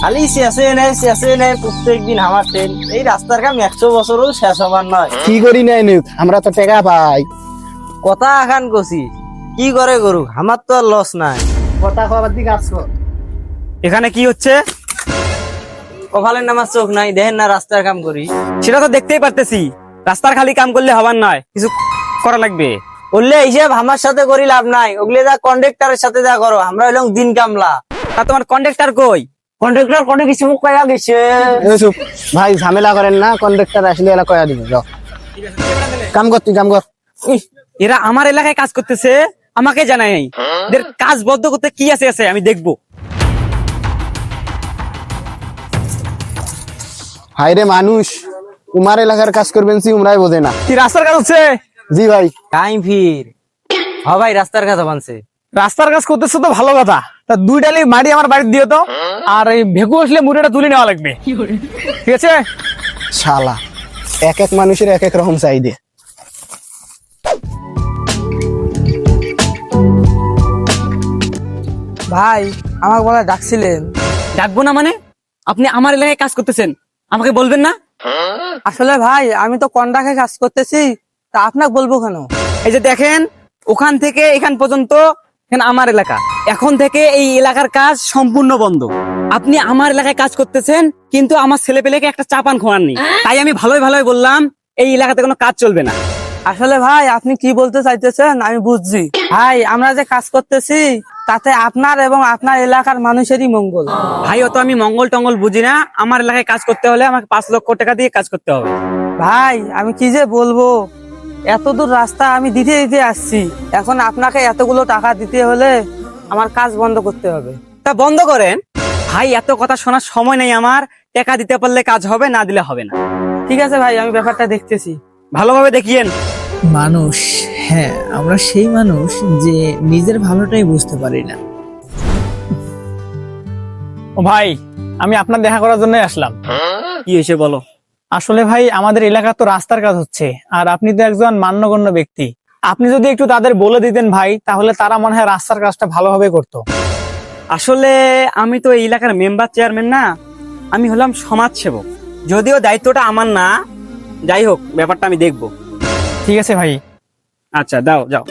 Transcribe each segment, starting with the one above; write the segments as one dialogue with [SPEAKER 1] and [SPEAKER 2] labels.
[SPEAKER 1] খালি শেষে নেই প্রত্যেকদিন আমার ট্রেন। এই রাস্তার কাম 100 বছরও শেষ হবার নয়।
[SPEAKER 2] কি করি নাই নিক, আমরা তো টাকা পাই।
[SPEAKER 1] কথা আখান কছি কি করে করুক, আমার তো আর লস নাই।
[SPEAKER 2] কথা কবার দিকে আসছো?
[SPEAKER 3] এখানে কি হচ্ছে?
[SPEAKER 1] কপালের নামার চোখ নাই, দেখেন না রাস্তার কাম করি।
[SPEAKER 3] সেটা তো দেখতেই পারতেছি। রাস্তার খালি কাম করলে হবার নয়, কিছু করা লাগবে।
[SPEAKER 1] বললে হিসেব আমার সাথে করি লাভ নাই, ওগুলো যা কন্ডাক্টরের সাথে যা করো, আমরা হইলাম দিন কামলা।
[SPEAKER 3] তা তোমার কন্ট্রাক্টর কই?
[SPEAKER 1] কন্ডাক্টর কোনো কিছু কয়া গেছে।
[SPEAKER 2] চুপ ভাই, ঝামেলা করেন না। কন্ডাক্টর আসলে এলা কয়া দিবে। যাও কাম কর, তুই কাম কর।
[SPEAKER 3] ইহ, এরা আমার এলাকায় কাজ করতেছে, আমাকে জানাই নাই। এদের কাজ বদ্ধ করতে কি আছে আমি দেখবো।
[SPEAKER 2] হাইরে মানুষ, উমার এলাকার কাজ করবেন সি উমরাই বোঝে না।
[SPEAKER 3] কি রাস্তার কাজ হচ্ছে?
[SPEAKER 2] জি ভাই।
[SPEAKER 1] টাইম ফির ভাই রাস্তার কথা বানছে।
[SPEAKER 3] রাস্তার কাজ করতেছে তো ভালো কথা। তা 2 ডালি মাটি আমার বাড়িতে দিও তো। আর এই ভেকু আসলে মুড়িটা তুলে নেওয়া লাগবে, ঠিক আছে?
[SPEAKER 2] শালা এক এক মানুষের এক এক রকম চাইদে।
[SPEAKER 1] ভাই আমাকে বলা ডাকছিলেন?
[SPEAKER 3] ডাকবো না মানে? আপনি আমার এলাকায় কাজ করতেছেন, আমাকে বলবেন না?
[SPEAKER 1] আসলে ভাই আমি তো কন্ডাক্টে কাজ করতেছি, তা আপনাকে বলবো কেন?
[SPEAKER 3] এই যে দেখেন, ওখান থেকে এখান পর্যন্ত এখানে আমার এলাকা। এখন থেকে এই এলাকার কাজ সম্পূর্ণ বন্ধ। আপনি আমার এলাকায় কাজ করতেছেন, কিন্তু আমার ছেলেপেলেকে একটা চাপান খোয়াননি। তাই আমি ভালোই বললাম এই এলাকাতে কোনো কাজ চলবে না।
[SPEAKER 1] আসলে ভাই আপনি কি বলতে চাইতেছেন আমি বুঝছি। ভাই আমরা যে কাজ করতেছি তাতে আপনার এবং আপনার এলাকার মানুষেরই মঙ্গল।
[SPEAKER 3] ভাই অত আমি মঙ্গল টঙ্গল বুঝি না। আমার এলাকায় কাজ করতে হলে আমাকে 5 লক্ষ টাকা দিয়ে কাজ করতে হবে।
[SPEAKER 1] ভাই আমি কি যে বলবো, এত দূর রাস্তা আমি দিতে দিতে আসছি, এখন আপনাকে এতগুলো টাকা দিতে হলে আমার কাজ বন্ধ করতে হবে।
[SPEAKER 3] তা বন্ধ করেন ভাই, এত কথা শোনার সময় নেই আমার। টাকা দিতে পারলে কাজ হবে, না দিলে হবে না।
[SPEAKER 1] ঠিক আছে ভাই, আমি ব্যাপারটা দেখতেছি।
[SPEAKER 3] ভালোভাবে দেখিয়েন।
[SPEAKER 4] মানুষ, হ্যাঁ আমরা সেই মানুষ যে নিজের ভালোটাই বুঝতে পারি না।
[SPEAKER 5] ও ভাই, আমি আপনার দেখা করার জন্য আসলাম।
[SPEAKER 3] কি হয়েছে বলো?
[SPEAKER 5] আসলে ভাই আমাদের এলাকা তো রাস্তার কাজ হচ্ছে, আর আপনি তো একজন মান্যগণ্য ব্যক্তি। আপনি যদি একটু তাদের বলে দিতেন ভাই, তাহলে তারা মনে হয় রাস্তার কাজটা ভালোভাবে করতো।
[SPEAKER 3] আসলে আমি তো এই এলাকার মেম্বার চেয়ারম্যান না, আমি হলাম সমাজ সেবক। যদিও দায়িত্বটা আমার না, যাই হোক ব্যাপারটা আমি দেখবো।
[SPEAKER 5] ঠিক আছে ভাই।
[SPEAKER 3] আচ্ছা দাও যাও।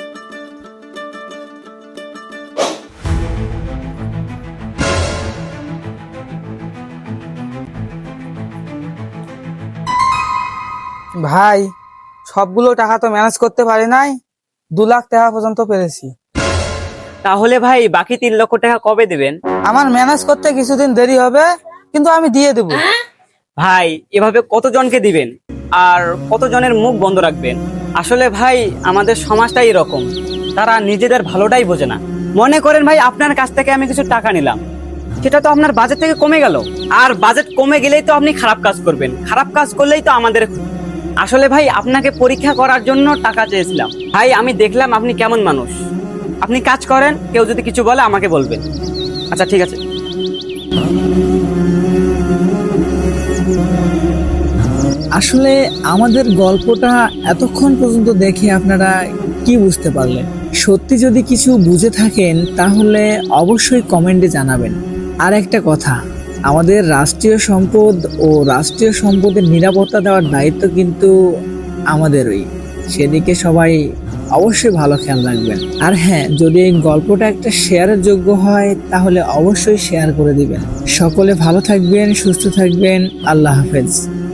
[SPEAKER 1] ভাই সবগুলো টাকা তো ম্যানেজ করতে পারি নাই, 2 লাখ টাকা পর্যন্ত পেরেছি।
[SPEAKER 3] তাহলে ভাই বাকি 3 লক্ষ টাকা কবে দেবেন?
[SPEAKER 1] আমার ম্যানেজ করতে কিছুদিন দেরি হবে, কিন্তু আমি দিয়ে দেবো।
[SPEAKER 3] ভাই এভাবে কতজনকে দিবেন আর কতজনের মুখ বন্ধ রাখবেন? আসলে ভাই আমাদের সমাজটাই এরকম, তারা নিজেদের ভালোটাই বোঝে না। মনে করেন ভাই আপনার কাছ থেকে আমি কিছু টাকা নিলাম, সেটা তো আপনার বাজেট থেকে কমে গেল। আর বাজেট কমে গেলেই তো আপনি খারাপ কাজ করবেন, খারাপ কাজ করলেই তো আমাদের। আসলে ভাই আপনাকে পরীক্ষা করার জন্য টাকা চেয়েছিলাম। ভাই আমি দেখলাম আপনি কেমন মানুষ। আপনি কাজ করেন, কেউ যদি কিছু বলে আমাকে বলবেন। আচ্ছা ঠিক আছে।
[SPEAKER 4] আসলে আমাদের গল্পটা এতক্ষণ পর্যন্ত দেখে আপনারা কি বুঝতে পারলেন? সত্যি যদি কিছু বুঝে থাকেন তাহলে অবশ্যই কমেন্টে জানাবেন। আর একটা কথা, আমাদের রাষ্ট্রীয় সম্পদ ও রাষ্ট্রীয় সম্পদের নিরাপত্তা দেওয়ার দায়িত্ব কিন্তু আমাদেরই। সেদিকে সবাই অবশ্যই ভালো খেয়াল রাখবেন। আর হ্যাঁ, যদি এই গল্পটা একটা শেয়ারের যোগ্য হয় তাহলে অবশ্যই শেয়ার করে দিবেন। সকলে ভালো থাকবেন, সুস্থ থাকবেন। আল্লাহ হাফেজ।